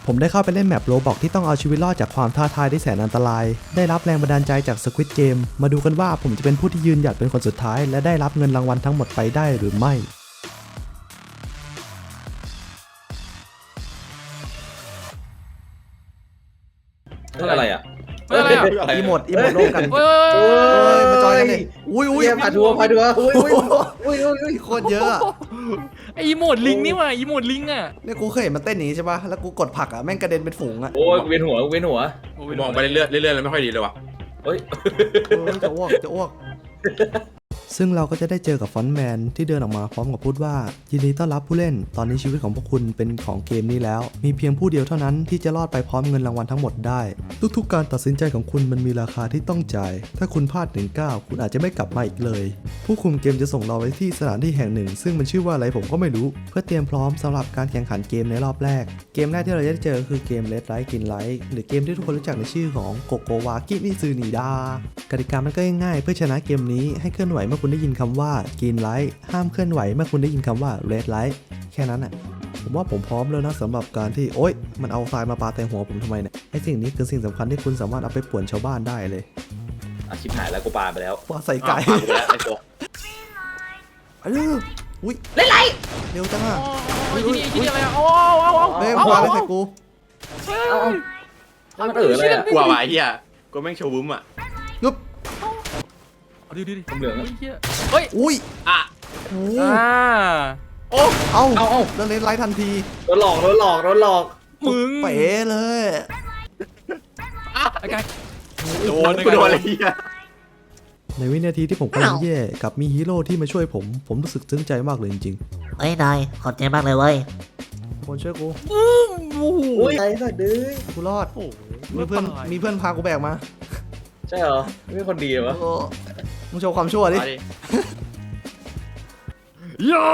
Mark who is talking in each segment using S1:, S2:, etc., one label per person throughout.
S1: ผมได้เข้าไปเล่นแมปโรบอกที่ต้องเอาชีวิตรอดจากความท้าทายที่แสนอันตรายได้รับแรงบันดาลใจจาก Squid Game มาดูกันว่าผมจะเป็นผู้ที่ยืนหยัดเป็นคนสุดท้ายและได้รับเงินรางวัลทั้งหมดไปได้หรือไม่
S2: อะไรอ่ะ
S1: อีโมดร่วมกันมาจอยกันเลยอุ้ย
S2: พาทัวร์อุ้ย
S1: โคตรเยอะ
S3: ไออีโมดลิงนี่ว่ะอีโมดลิงอ่ะ
S1: เนี่ยกูเคยเห็นมันเต้นอย่างนี้ใช่ป่ะแล้วกูกดผลักอ่ะแม่งกระเด็นเป็นฝูงอ่ะ
S2: โอ้ยเวียนหัว
S4: มองไปเรื่อยๆแล้วไม่ค่อยดีเลยว่ะ
S2: เฮ้ย
S1: จะอ้วกซึ่งเราก็จะได้เจอกับฟอนต์แมนที่เดินออกมาพร้อมกับพูดว่ายินดีต้อนรับผู้เล่นตอนนี้ชีวิตของพวกคุณเป็นของเกมนี้แล้วมีเพียงผู้เดียวเท่านั้นที่จะรอดไปพร้อมเงินรางวัลทั้งหมดได้ทุกๆการตัดสินใจของคุณมันมีราคาที่ต้องจ่ายถ้าคุณพลาด1 ก้าวคุณอาจจะไม่กลับมาอีกเลยผู้คุมเกมจะส่งเราไปที่สถานที่แห่งหนึ่งซึ่งมันชื่อว่าอะไรผมก็ไม่รู้เพื่อเตรียมพร้อมสำหรับการแข่งขันเกมในรอบแรกเกมแรกที่เราจะได้เจอคือเกม Red Light Green Light หรือเกมที่ทุกคนรู้จักในชื่อของโกโกวากิมิซึนิดากติกามันก็ง่ายๆเพื่อชนะเกมนี้ให้เคลื่อนไหวเมื่อคุณได้ยินคำว่าGreen Light ห้ามเคลื่อนไหวเมื่อคุณได้ยินคำว่า Red Light แค่นั้นอ่ะผมว่าผมพร้อมแล้วนะสำหรับการที่โอ๊ยมันเอาทรายมาปาแต่หัวผมทำไมเนี่ยไอ้สิ่งนี้คือสิ่งสำคัญที่คุณสามารถเอาไปป่วนชาวบ้านได้เลย
S2: ชิบหายแล้วกูปาไปแล้ว
S1: ว่าใส่ไก่
S2: ไอ้ตัว
S1: อุ้ย
S2: เล่นไร
S1: เร็วจังอ่ะ
S3: ที่นี่อะไรอ่ะเอา
S1: เฮ้ยมาเลยใส่กู
S2: มันอะไรอ่ะ
S4: กลัวว่ะไอ้เหี้ยกูแม่งโชว์วุ้มอ่ะ
S1: ยุบ
S3: ดิ
S2: เหลือง
S3: เฮ้ย
S1: อุ้ย
S3: โอ้
S1: เอาแล้วเล่นไลท์ทันที
S2: โดนหลอก
S3: มึง
S1: เป๋เลย
S3: ไอ้กาย
S4: โดนอะไรเหี้ย
S1: ในวินาทีที่ผมกำลังแย่กับมีฮีโร่ที่มาช่วยผมรู้สึกซึ้งใจมากเลยจริง
S5: ๆเอ้ยนายขอบใจมากเลยเว้ย
S1: คนช่วยกู
S2: อุ้ยไอ้สัตว์ดื้อ
S1: กูรอดมีเพื่อนพากูแบกมา
S2: ใช่เหรอไม่คนดีวะ
S1: มึงโชว์ความชั่วดิ
S3: ยอ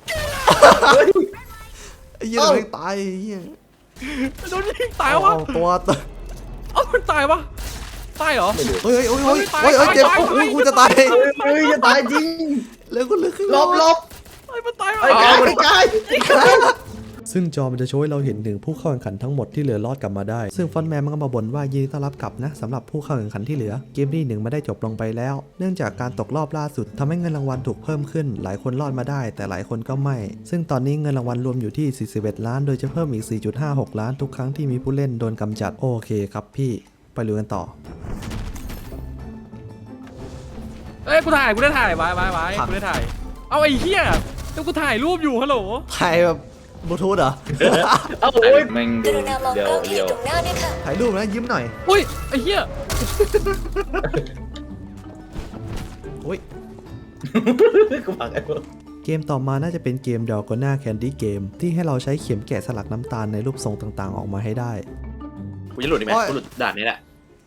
S1: ไอ้เหี้ยไม่ตายไอ้เหี้ย
S3: โดนยิงตายวะ
S1: ตัว
S3: มันตายวะตายเหรอ
S1: เฮ้ยเจ็บกูจะตาย
S2: จะตายจริง
S1: แล้วกูลึกขึ้น
S2: ลบ
S3: มันตาย
S2: ไอ้กาย
S1: ซึ่งจอมันจะโชว์ให้เราเห็นถึงผู้เข้าแข่งขันทั้งหมดที่เหลือรอดกลับมาได้ซึ่งฟอนต์แมนมันก็มาบ่นว่ายินดีต้อนรับกลับนะสำหรับผู้เข้าแข่งขันที่เหลือเกมที่1มาได้จบลงไปแล้วเนื่องจากการตกรอบล่าสุดทำให้เงินรางวัลถูกเพิ่มขึ้นหลายคนรอดมาได้แต่หลายคนก็ไม่ซึ่งตอนนี้เงินรางวัลรวมอยู่ที่41ล้านโดยจะเพิ่มอีก 4.56 ล้านทุกครั้งที่มีผู้เล่นโดนกำจัดโอเคครับพี่ไปลุยกันต่อ
S3: กูได้ถ่ายไว้กูได้ถ่ายเอาไอ้เหี้ยแล้วกูถ่ายรูปอยู่ฮัลโหล
S1: ถ่ายแบบบลูทูธเหรอ
S2: เอาโอ้ยแม่งเดียว
S1: ถ่ายรูปนะยิ้มหน่อย
S3: อุ้ยไอ้เหี้ย
S1: อุ้ย
S2: กูพังไอ้พวก
S1: เกมต่อมาน่าจะเป็นเกม Dalgona Candy Game ที่ให้เราใช้เข็มแกะสลักน้ำตาลในรูปทรงต่างๆออกมาให้ได้
S4: กูจะหลุดไหมกูหลุดด่านนี้แหละ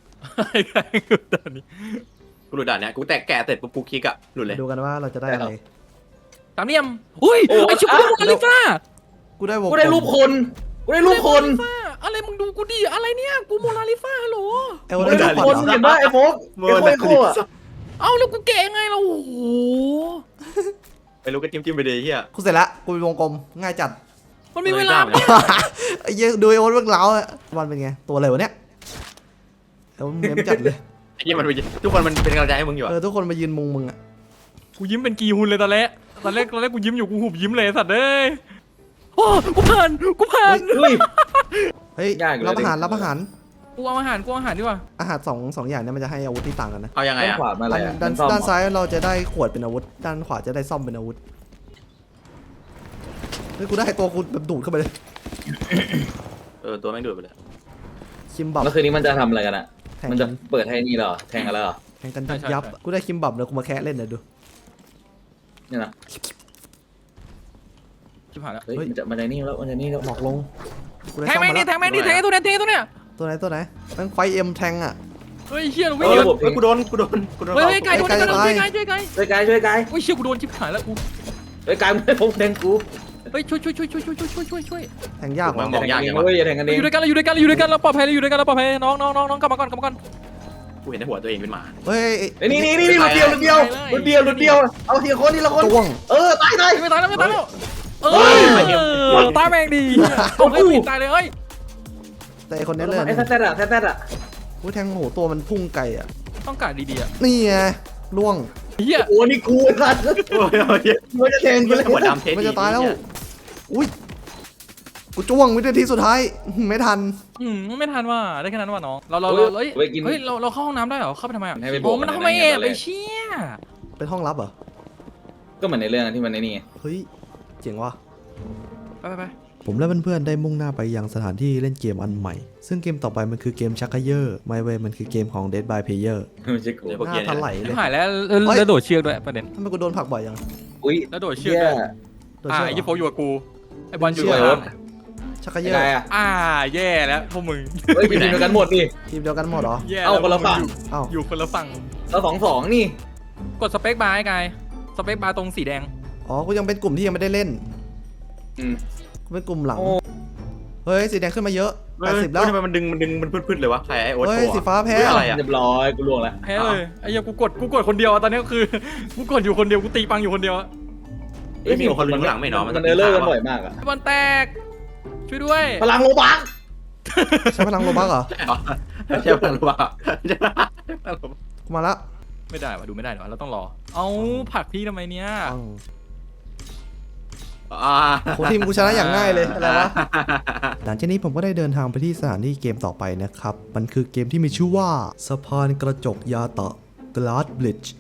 S4: กูหลุดด่านนี้กูแตกแกะเสร็จปุ๊บกูคลิกอะหลุดเลย
S1: ดูกันว่าเราจะได้อะไร
S3: ตามเนียมอุ้ยไอชิบุโมนาลิซา
S1: กูได้
S2: รูปคน
S3: อะไรมึงดูกูดิอะไรเนี่ยกูโมนาลิซาฮัลโหล
S2: ได้รูปคนเห็นป่ะไอ้โฟกโคตร
S3: เอาแล้วกูเก่งไงเราโอ้โห
S4: ไปรู้ก็จิ้มไปเลยเฮีย
S1: กูเสร็จละกูเป็นวงกลมง่ายจัด
S3: มันมีเวลา
S1: ไอ้เหี้ยดูไอ้โอ๊ตเรื่องเล้าอ่ะวันเป็นไงตัวอะไรวะเนี่ยแล้วเมมจัดเลย
S4: ไอ้เหี้ยมันทุกคนมันเป็นกำลังใจให้มึงอยู่
S1: ทุกคนมายืนมุงมึงอ่ะ
S3: กูยิ้มเป็นกีฮุนเลยตอนแรกกูยิ้มอยู่กูหุบยิ้มเลยสัตว์เอ้ยโอ้กูผ่าน
S1: เฮ้ยรับอาหาร
S3: กูเอาอาหารดีกว่า
S1: อาหารสองอย่างนี้มันจะให้อาวุธที่ต่างกันนะ
S4: เอายังไงอ่ะ
S1: ด้านซ้ายเราจะได้ขวดเป็นอาวุธด้านขวาจะได้ซ่อมเป็นอาวุธเฮ้ยกูได้ตัวกูแบบดูดเข้าไปเลย
S4: ตัวแม่งดูดไปเลย
S1: คิมบับ
S2: แล้วคืนนี้มันจะทำอะไรกันอ่ะมันจะเปิดให้นี่เหรอแทงกันแล้วเหรอ
S1: แทงกันยับกูได้คิมบับเลยกูมาแคะเล่นเลยดู
S2: นี่นะ
S3: ชิบหายแล้ว
S2: เฮ้ยมันจะนี่แล้ว
S1: หมอกลง
S3: แทงแม่งดิตัวไหน
S1: ตัวไหนแม่งไฟเอ็มแทงอ่ะ
S3: เฮ้ยเชี่ยวิ่ง
S4: กูโดน
S3: เฮ้ยไก่ช่วยไก่
S2: ช่วยไก่เ
S3: ฮ้ยเชี่ยกูโดนชิบหายแล้วกู
S2: เฮ้ยไก่ไม่พบแทงกู
S3: เฮ้ยช่วย
S1: แทงยาก
S4: มองยากอย่างวะ
S2: อย่าแทงกันเอง
S3: อยู่ด้วยกันเราปลอดภัยน้องกลับมาก่อน
S4: กูเห็นในหัวตัวเองเป็นหมา
S1: เฮ้ย
S2: นี่รุดเดียวเอาทีละคนตาย
S3: ไม่ตายแล้วตายแม่งดีเอาให้ตายเลยเฮ้ย
S1: แต่ไอ้คนนี้เลย
S2: ไอ้แซ่ดอะแซ่ดอะ
S1: แทงโหตัวมันพุ่งไกลอ่ะ
S3: ต้องการดีๆอ่ะ
S1: นี่ไงล่วง
S3: เฮีย
S2: โอ้นี่กูไอ้สัตว์
S4: โอ้ย
S2: มันจะแทงกูเลย
S4: หัวดำเทส
S1: มันจะตายแล้วอุ้ยกูจ้วงวินาทีสุดท้ายไม่ทัน
S3: ไม่ทันว่ะได้แค่นั้นว่ะน้องเราเฮ้ยเราเข้าห้องน้ำได้เหรอเข้าไปทำไมอ่ะโอ้มันทำไมแอบไปเชี่ย
S1: เป็นห้องลับเหรอ
S2: ก็เหมือนในเรื่องที่มันในนี่
S1: เฮ้ยเจ๋งว่ะ
S3: ไป
S1: ผมและเพื่อนๆได้มุ่งหน้าไปยังสถานที่เล่นเกมอันใหม่ ซึ่งเกมต่อไปมันคือเกมชักเขยอร์ไม่เว้ยมันคือเกมของ Dead by Player
S2: ไม่ใช่กู
S1: หน้าทันไหลเลย
S3: หายแล้วโดดเชือกด้วยประเด็น
S1: ทำไมกูโดนผลักบ่อยยัง
S2: อุ้ย
S3: แล้วโดดเชือกด้วย
S1: โดนเชือก
S3: ไอ้ยี่โฟอยู่กับกูไอ้บอลอยู่
S2: เชื่
S3: กั
S2: อบ รถ
S1: ชักเขย
S2: ยั
S1: อง
S2: ไง
S1: ร์
S2: อะ
S3: แย่แล้วพวกมึง
S2: เฮ้ยอยู่ด้วยกันหมดนี่
S1: ทีมเดียวกันหมดเหรอ
S3: แย่
S2: เอาคนละฝั่ง
S1: เอ้า
S3: อยู่คนละฝั่ง
S2: เรา2-2นี่
S3: กดสเปคบาร์ไอ้กายสเปคบาร์ตรงสีแดง
S1: อ๋อกูยังเป็นกลุ่มที่ยังไม่ได้เล่น
S2: อืม
S1: กูเป็นกลุ่มหลัง
S2: โอ้
S1: เฮ้ยสีแดงขึ้นมาเยอะ80แล้ว
S4: ทำไมมันดึงมันพืดๆเลยวะใครไอ้โอ๊ต
S1: เฮ้ย
S4: โชว์
S1: สีฟ้าแพ้
S4: อะไรอะ
S2: เรียบร้อยกูล่วงแล้ว
S3: แพ้เลยไอ้เหี้ยกูกดคนเดียวตอนนี้คือกูกดอยู่คนเดียวกูตีปังอยู่คนเดียว
S4: ไม่มีคนหลังไม่เนาะ
S2: มันเออเลอร์กันบ่อยมากอะ
S3: ไอ้บอลแตกช่วยด้วย
S2: พลังโลบัก
S1: ใช้พลังโลบักเหรอ
S4: ใช่ป่ะรู้ป่ะ
S1: กูมาละ
S3: ไม่ได้ว่ะดูไม่ได้หรอเราต้องรอเอาผลักพี่ทำไมเนี่ย
S1: ปังโหทีมกูชนะอย่างง่ายเลยอะไรวะ หลังจากนี้ผมก็ได้เดินทางไปที่สถานที่เกมต่อไปนะครับ มันคือเกมที่มีชื่อว่าสะพานกระจกยาตะ Glass Bridge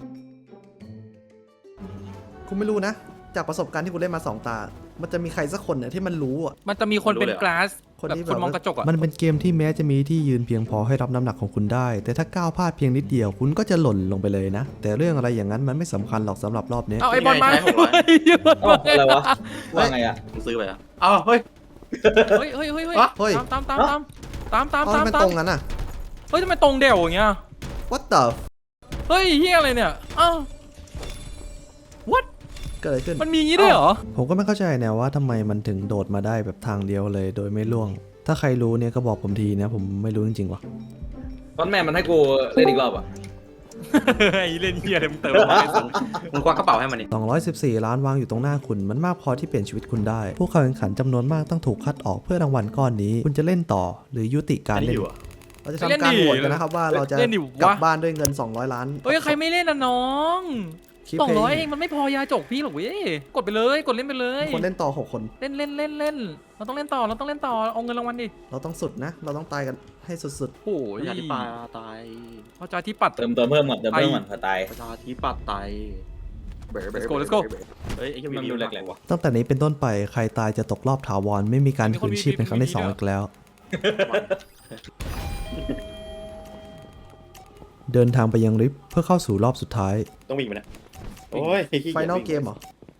S1: กูไม่รู้นะ จากประสบการณ์ที่กูเล่นมา2 ตา มันจะมีใครสักคนเนี่ยที่มันรู้อ่ะ
S3: มันจะมีคนเป็นกลาส
S1: คน
S3: แบบ
S1: ที่
S3: คนมองกระจกอ่ะ
S1: มันเป็นเกมที่แม้จะมีที่ยืนเพียงพอให้รับน้ำหนักของคุณได้ แต่ถ้าก้าวพลาดเพียงนิดเดียวคุณก็จะหล่นลงไปเลยนะ แต่เรื่องอะไรอย่างนั้นมันไม่สำคัญหรอกสำหรับรอบนี้
S3: เอาไอ้บอลมา
S4: ใช่600
S2: เอ้าอะไรวะว่าไงอะ
S4: มึงซื้อไปอ่ะอ้าวเฮ้ย
S3: เฮ้ย
S1: เฮ้ย
S3: ตาม
S1: เพราะมันตรงงั้นอ่ะ
S3: เฮ้ยทำไมตรงเดี่ยวอย่างเงี้ย
S1: What the
S3: เฮ้ยเฮียอะไรเนี่ยอ้าว what
S1: เกิดอะไรขึ้น
S3: มันมีงี้ด้วยเหรอ
S1: ผมก็ไม่เข้าใจแนวว่าทำไมมันถึงโดดมาได้แบบทางเดียวเลยโดยไม่ล่วง ถ้าใครรู้เนี่ยก็บอกผมทีนะผมไม่รู้จริงๆว่ะ
S2: ตอนแม่มันให้กูเล่นอีกรอบอะ
S3: ไอ้เล่นเฮียอะไรมึงเติมมาไม่สน
S4: มึงควักกระเป๋าให้มันนี่
S1: 214 ล้านวางอยู่ตรงหน้าคุณ มันมากพอที่เปลี่ยนชีวิตคุณได้ ผู้เข้าแข่งขันจำนวนมากต้องถูกคัดออกเพื่อรางวัลก้อนนี้ คุณจะเล่นต่อหรือยุติกา
S4: อั
S1: ร
S4: นนี้
S1: เล่น
S4: อยู่อ่ะ
S1: เราจะทำการโหวตกันนะครับว่าเราจะกลับบ้านด้วยเงิน200 ล้าน
S3: เฮ้ยใครไม่เล่นนะน้อง
S1: คลิป
S3: 200เองมันไม่พอยาจกพี่หรอกเว้ยกดไปเลยกดเล่นไปเลย
S1: คนเล่นต่อ 6 คน
S3: เล่นเราต้องเล่นต่อเอาเงินรางวัลดิ
S1: เราต้องสุดนะ เราต้องตายกันให้สุด
S3: โอ้ย
S4: ประชาธิปัตย์ตาย
S3: ประชาธิปัตย์
S2: เติมเพิ่มก่อนเผื่อตาย
S4: ประชาธิปัตย์ตาย
S3: Let's go
S4: เฮ้ยไอ้
S2: มันดูแหลกๆว่ะ
S1: ๆ ตั้งแต่นี้เป็นต้นไปใครตายจะตกรอบถาวรไม่มีการคืนชีพเป็นครั้งที่2อีกแล้ว เดินทางไปยังลิฟต์เพื่อเข้าสู่รอบสุดท้าย
S4: ต้องวิ่งไปนะโอ้ย
S1: ไฟนอลเกมเหรอ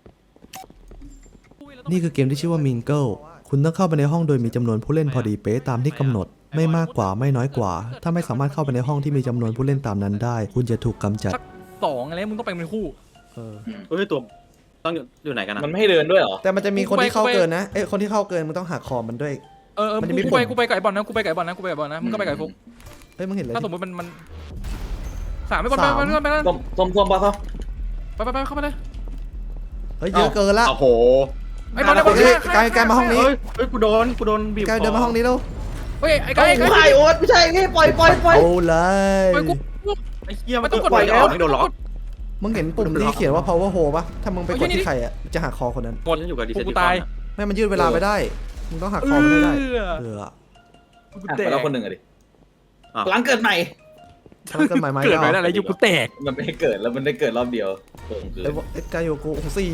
S1: นี่คือเกมที่ชื่อว่า Mingle คุณต้องเข้าไปในห้องโดยมีจำนวนผู้เล่นพอดีเป๊ะตามที่กำหนด ไม่มากกว่าไม่น้อยกว่า ถ้าไม่สามารถเข้าไปในห้องที่มีจำนวนผู้เล่นตามนั้นได้ คุณจะถูกกำจัด
S3: สัก2อะไรมึงต้องไปเป็นคู่
S4: เฮ้ยตัวต้องอยู่ไหนกันนะ
S2: มันไม่ให้เดินด้วยเหรอ
S1: แต่มันจะมีคนที่เข้าเกินนะ คนที่เข้าเกินมึงต้องหักคอมันด้วย มันจะมี
S3: กูไปไก่บอลนะมึงก็ไปไก่ฟุก
S1: เฮ้ยมึงเห็นเลย
S3: ถ้าสมมติมันสามไม่บอลไปแล้ว
S2: ส้มปะเขา
S3: ไปเข้ามาเลย
S1: เฮ้ยเยอะเกินละ
S4: โอ้โห
S3: ไอ้บอลไอ้บอล
S1: เฮ้ยไกลมาห้องนี้
S4: เฮ้ยกูโดนบีบ
S1: ไกลเดินมาห้องนี้แล้ว
S3: เฮ้ยไอ้ไก่
S2: ไม่ใช่โอ๊ตไม่ใช่นี่ปล่อย
S1: เอาเลย
S3: ไปกู
S4: ไอ้เหี้ย
S3: ไม่ต้องกด
S4: ปล่อย
S3: แล้
S4: แล้ว วไม่โดนล็อก
S1: มึงเห็นปุ่มที่เขียนว่า power hole ปะถ้ามึงไปกดที่ใครอ่ะจะหักคอคนนั้น
S4: หมดอยู่กับดิเซน
S3: กูตาย
S1: ไม่มันยืดเวลาไปได้ มึงต้องหักคอมันให้ได้เออ
S2: ไปแล้วคนหนึ่งอะดิหลังเกิดใหม่
S1: ถ้ามันเกิดใหม่
S3: เกิดไปได้อะไรยุคกูแตก
S2: มันไม่ให้เกิดแล้วมันได้เกิดรอบเดียวคือ
S1: ไอ้กายโยกูโอ้โห4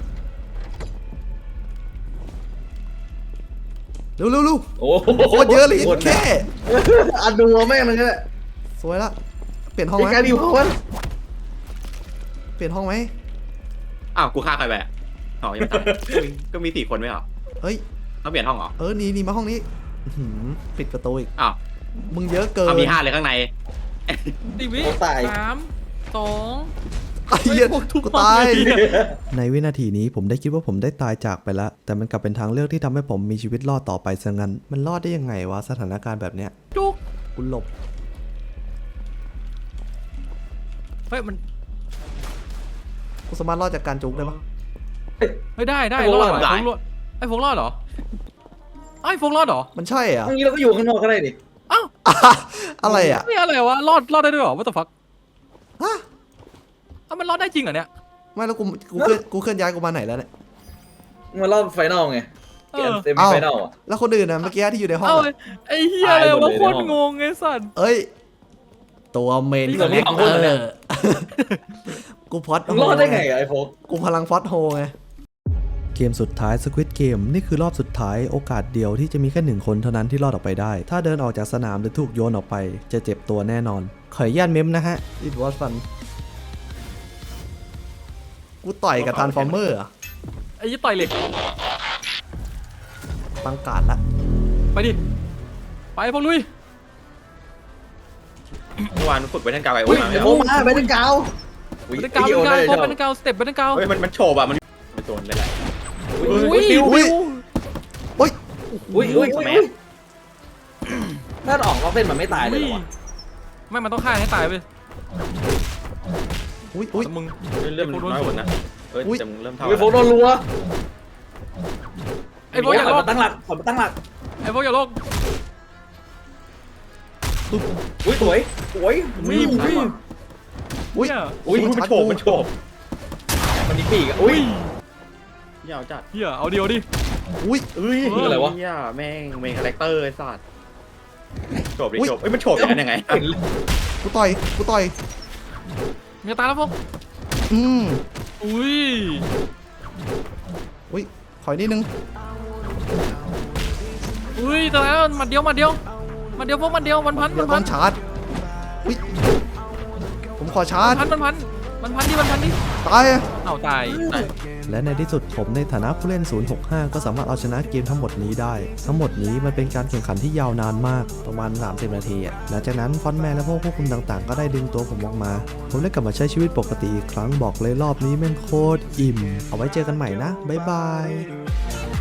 S1: เร็ว
S2: โอ้
S1: โคตรเยอะเลยแค่
S2: อันดูแม่งเลยเนี่ย
S1: สวยละเปลี่ยนห้อง
S2: ไอ้
S1: ไหม
S2: การดิวเขาวัน
S1: เปลี่ยนห้องไหม
S4: อ้าวกูฆ่าใครไปอ๋อยังตายก็มี4 คนไม่เหรอ
S1: เฮ้ย
S4: ต้องเปลี่ยนห้องเหรอ
S1: หนีมาห้องนี้ปิดประตูอีก
S4: อ้าว
S1: มึงเยอะเกิน
S4: มี5เลยข้างใน
S3: ตีวิ
S2: ตาย
S3: 3 2
S1: ไอ้เหี้ย
S3: พวกทุก
S1: กูตาย
S3: คนเลย
S1: ในวินาทีนี้ผมได้คิดว่าผมได้ตายจากไปแล้ว แต่มันกลับเป็นทางเลือกที่ทำให้ผมมีชีวิตรอดต่อไปซะงั้น มันรอดได้ยังไงวะสถานการณ์แบบเนี้ย
S3: จุก
S1: กูหลบ
S3: เฮ้ยมัน
S1: กูสามารถรอดจากการจุกได้ปะ
S3: เฮ้ยได้รอดไอ้ฟุกรอดเหรอไอ้โฟกรอดเหรอ
S1: มันใช่เหรอ่ะ
S2: อย่างนี้เราก็อยู่ข้างนอกก็ได้ดิ
S3: อ้าว
S1: อะไรอ่ะ
S3: นี่อะไรวะรอดได้ด้วยเหรอ what the fuck
S1: ฮะ
S3: อ้าวมันรอดได้จริงเหรอเนี่ย
S1: ไม่แล้วกูเคลื่อนย้ายกูมาไหนแล้วเนี่ย
S2: มารอบไฟนอลไงเกมเซมิ
S1: เอ้า
S2: ไฟนอลอ่ะ
S1: แล้วคนอื่นนะเมื่อกี้ที่อยู่ในห้อง
S3: เอ้า
S1: อะ
S3: ไอ้เฮียอะไร
S2: ตายหม
S3: วะ
S2: ดเลย
S3: โคต
S2: ใน
S3: ร
S2: ห้อง
S3: งงไอ้สัตว์
S1: เอ้ย ตัวเมน
S2: นี่
S1: ค
S2: ส
S1: อ
S2: อง
S1: น
S2: คน
S1: เนค
S2: เหรอ
S1: เตอ
S2: เนี่ย
S1: ร์กูพอด
S2: มึงรอดได้ไงอะไอ้โฟก
S1: กูพลังฟอสโฮไง เกมสุดท้าย Squid Game นี่คือรอบสุดท้ายโอกาสเดียวที่จะมีแค่หนึ่งคนเท่านั้นที่รอดออกไปได้ ถ้าเดินออกจากสนามหรือถูกโยนออกไป จะเจ็บตัวแน่นอน ขออนุญาตเมมนะฮะ It was fun กูต่อยกับทานฟอร์เมอร์
S3: ไอ้ยี่ต่อยเหล็ก
S1: ปังกาดละ
S3: ไปดิ ไปพวกลุย
S4: เมื่อวานฝึกไปท่านกาวไอโอ
S2: อุ้ย
S4: มา
S2: ไอ้โฟกมาไปตั้งกาว
S3: บันเดกาวบันเดกาวสเต็ปบันเดกาว
S4: เฮ้ยมันโฉบอ่ะมันโดนเลยแหละ
S3: อุ้ย
S1: อุ้ย อุ้ย
S2: อุ้ย
S4: แมส
S2: ถ้าออกนอกเส้นมันไม่ตายเลยเหรอวะ
S3: ไม่มันต้องฆ่าให้ตายไป
S1: อุ้ยอุ้ย
S3: แต่มึง
S4: เรื่องมันน้อยกว่านะเฮ้ยแต่มึงเริ่มเท่า
S2: ไอ้โฟกโดนรัว
S3: ไอ้พวกอย่า
S2: ข
S3: โล
S2: อก มาตั้งหลักขอมาตั้งหลัก
S3: ไอ้พวกอย่าโลก
S2: อุ้ยสวยสวย
S3: วิ่งวิ่ง
S1: อุ้ย
S3: เนี่ย
S4: อุ้ยมันโฉบมันโฉบ
S2: มันมีปีกอะอุ้ย
S4: ยาวจัด
S3: เฮียเอาดิเอาดิ
S1: อุ้ย
S4: เอ้ย
S2: อะไรวะ
S4: แม่งเมนคาแรคเตอร์ไอ้สัตว์โฉบดิโฉบเอ้ยมันโฉบอย่างนั้นยังไง
S1: กูต่อย กูต่อย
S3: มีตายแล้วพวก
S1: อืม
S3: อุ้ย
S1: อุ้ย ขออีกนิดนึง
S3: อุ้ยตายแล้วมันเดียวพวกมันเดียวมันพัน
S1: เดี๋ยวต้องชาร์จ อุ้ย ผมขอชาร์จ
S3: มันพันดิ
S1: ตายอะ
S3: เอาตาย
S1: และในที่สุดผมในฐานะผู้เล่น 065 ก็สามารถเอาชนะเกมทั้งหมดนี้ได้ ทั้งหมดนี้มันเป็นการแข่งขันที่ยาวนานมาก ประมาณ 30 นาทีอะหลังจากนั้นฟอนต์แมนและพวกควบคุมต่างๆ ก็ได้ดึงตัวผมออกมา ผมได้กลับมาใช้ชีวิตปกติอีกครั้งบอกเลยรอบนี้แม่งโคตรอิ่ม เอาไว้เจอกันใหม่นะ บ๊ายบาย